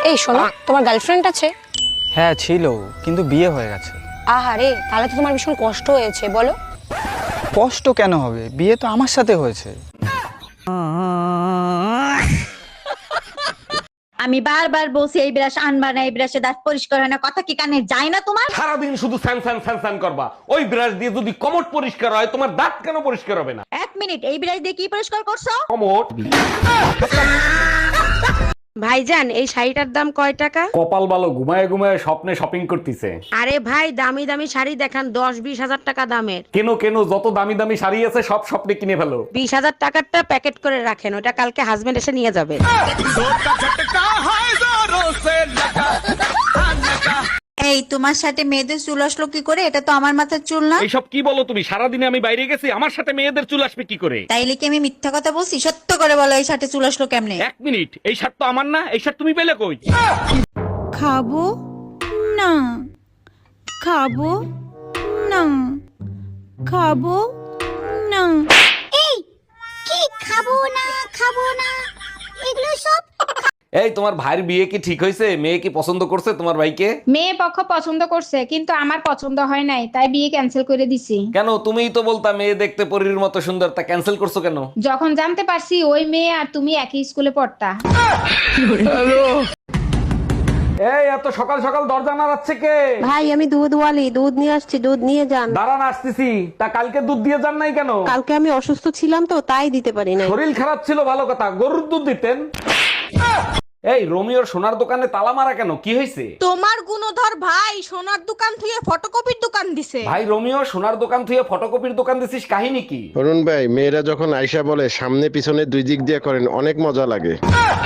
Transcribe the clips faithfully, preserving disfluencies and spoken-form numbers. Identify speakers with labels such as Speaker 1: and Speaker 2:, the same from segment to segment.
Speaker 1: এই শোনো, তোমার গার্লফ্রেন্ড আছে?
Speaker 2: হ্যাঁ ছিল, কিন্তু বিয়ে হয়ে গেছে।
Speaker 1: আহারে, তাহলে তো তোমার ভীষণ কষ্ট হয়েছে, বলো।
Speaker 2: কষ্ট কেন হবে, বিয়ে তো আমার সাথে হয়েছে।
Speaker 3: আমি বারবার বলছি এই ব্রাশ আনবা না, এই ব্রাশে দাঁত পরিষ্কার হয় না, কথা কি কানে যায় না তোমার?
Speaker 4: সারাদিন শুধু স্যান স্যান স্যান স্যান করবা। ওই ব্রাশ দিয়ে যদি কমট পরিষ্কার হয়, তোমার দাঁত কেন পরিষ্কার হবে না?
Speaker 3: এক মিনিট, এই ব্রাশ দিয়ে কি পরিষ্কার করছো?
Speaker 4: কমট।
Speaker 5: ভাইজান, এই শাড়িটার দাম কয় টাকা?
Speaker 4: কপাল ভালো, ঘুমায় ঘুমায় স্বপ্নে শপিং করতেছে।
Speaker 5: আরে ভাই, দামি দামি শাড়ি দেখান, দশ বিশ হাজার টাকা দামের।
Speaker 4: কেন কেন, যত দামি দামি শাড়ি আছে সব স্বপ্নে কিনে ফেলো।
Speaker 5: বিশ হাজার টাকারটা প্যাকেট করে রাখেন, ওটা কালকে হাজবেন্ড এসে নিয়ে যাবে।
Speaker 3: এই তোমার সাথে মেয়েদের চুল আসলো কি করে? এটা তো আমার মাথার চুল না।
Speaker 4: এইসব কি বলো তুমি? সারাদিনে আমি বাইরে গেছি, আমার সাথে মেয়েদের চুল আসবে কি করে?
Speaker 3: তাইলে কি আমি মিথ্যা কথা বলছি? সত্য করে বলো, এই সাথে চুল আসলো কেমনে?
Speaker 4: এক মিনিট, এই শার্ট তো আমার না, এই শার্ট তুমি পেলে কই?
Speaker 3: খাবো না, খাবো না, খাবো না।
Speaker 6: এই কি খাবো না খাবো না এগুলো সব
Speaker 4: এই তোমার ভাইয়ের বিয়ে কি ঠিক হয়েছে? মেয়ে কি পছন্দ করছে তোমার ভাইকে?
Speaker 7: মেয়ে পক্ষ পছন্দ করছে, কিন্তু আমার পছন্দ হয় নাই, তাই বিয়ে ক্যান্সেল করে দিছি।
Speaker 4: কেন? তুমিই তো বলতা মেয়ে দেখতে পরীর মতো সুন্দর, তা ক্যান্সেল করছো কেন?
Speaker 7: যখন জানতে পারছি ওই মেয়ে আর তুমি একই স্কুলে পড়তা।
Speaker 4: এই এত সকাল সকাল দরজা নাড়াচ্ছে কে?
Speaker 8: ভাই আমি দুধ ওয়ালি, দুধ নিয়ে আসছি, দুধ নিয়ে যান।
Speaker 4: দাঁড়ান, আসতেছি। তা কালকে দুধ দিয়ে যান নাই কেন?
Speaker 8: কালকে আমি অসুস্থ ছিলাম তো, তাই দিতে পারি নাই।
Speaker 4: শরীর খারাপ ছিল, ভালো কথা, গরুর দুধ দিতেন। এই রোমিওর সোনার দোকানে তালা মারা কেন? কি হয়েছে?
Speaker 5: তোমার গুণধর ভাই সোনার দোকান থেকে ফটোকপির দোকান দিছে।
Speaker 4: ভাই রোমিও সোনার দোকান থেকে ফটোকপির দোকান দিছিস, কাহিনী কি?
Speaker 9: অরুণ ভাই, মেয়েরা যখন আয়শা বলে সামনে পিছনে দুই দিক দিয়ে করেন, অনেক মজা লাগে।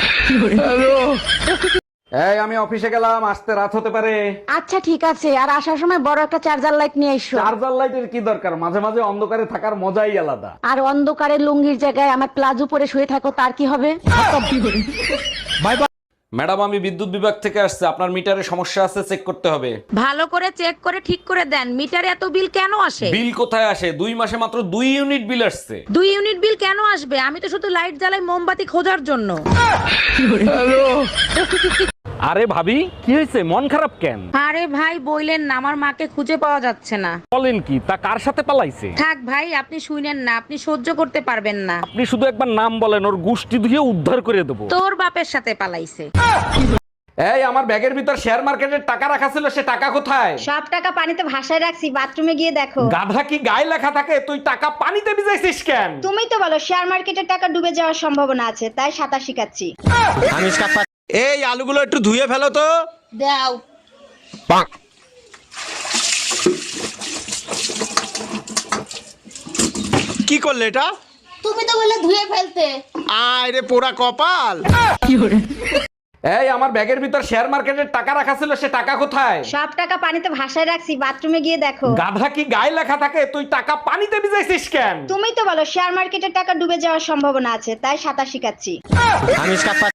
Speaker 4: এই আমি অফিসে গেলাম, আসতে রাত হতে পারে।
Speaker 5: আচ্ছা ঠিক আছে, আর আসার সময় বড় একটা চার্জার লাইট নিয়ে এসো।
Speaker 4: চার্জার লাইটের কি দরকার? মাঝে মাঝে অন্ধকারে থাকার মজাই আলাদা।
Speaker 5: আর অন্ধকারে লুঙ্গির জায়গায় আমার প্লাজো পরে শুয়ে থাকো, তার কি হবে?
Speaker 4: ম্যাডাম, আমি বিদ্যুৎ বিভাগ থেকে আসছে, আপনার মিটারে সমস্যা আছে, চেক করতে হবে।
Speaker 5: ভালো করে চেক করে ঠিক করে দেন, মিটারে এত বিল কেন আসে?
Speaker 4: বিল কোথায় আসে? দুই মাসে মাত্র দুই ইউনিট বিল আসছে।
Speaker 5: দুই ইউনিট বিল কেন আসবে? আমি তো শুধু লাইট জ্বালাই মোমবাতি খোঁজার জন্য।
Speaker 4: আরে ভাবি, কি হয়েছে? মন খারাপ কেন?
Speaker 5: আরে ভাই বইলেন না, আমার মাকে খুঁজে পাওয়া যাচ্ছে না।
Speaker 4: বলেন কি? তা কার সাথে পালাইছে?
Speaker 5: থাক ভাই, আপনি শুনেন না, আপনি সহ্য করতে পারবেন না।
Speaker 4: আপনি শুধু একবার নাম বলেন, ওর গুষ্টি ধুয়ে উদ্ধার করে দেবো।
Speaker 5: তোর বাপের সাথে পালাইছে।
Speaker 4: এই আমার ব্যাগের ভিতর শেয়ার মার্কেটের টাকা রাখা ছিল, সে টাকা কোথায়?
Speaker 3: সব টাকা পানিতে ভাসায় রাখছি, বাথরুমে গিয়ে দেখো।
Speaker 4: গাধা, কি গায়ে লেখা থাকে? তুই টাকা পানিতে ভিজাইছিস কেন?
Speaker 3: তুমি তো বলো শেয়ার মার্কেটের টাকা ডুবে যাওয়ার সম্ভাবনা আছে, তাই সাঁতার শিখাচ্ছি।
Speaker 2: এই আলুগুলো একটু ধুয়ে ফেলো তো।
Speaker 3: দাও।
Speaker 2: কি করলে এটা?
Speaker 6: তুমি তো বলে ধুয়ে ফেলতে।
Speaker 2: আয় রে পোড়া কপাল।
Speaker 4: এই আমার ব্যাগের ভিতর শেয়ার মার্কেটের টাকা রাখা ছিল, সে টাকা কোথায়?
Speaker 3: সব টাকা পানিতে ভাসায় রাখছি, বাথরুমে গিয়ে দেখো।
Speaker 4: গাধা, কি গায়ে লেখা থাকে? তুই টাকা পানিতে ভিজাইছিস কেন?
Speaker 3: তুমি তো বলো শেয়ার মার্কেটের টাকা ডুবে যাওয়ার সম্ভাবনা আছে, তাই সাঁতার শিখাচ্ছি।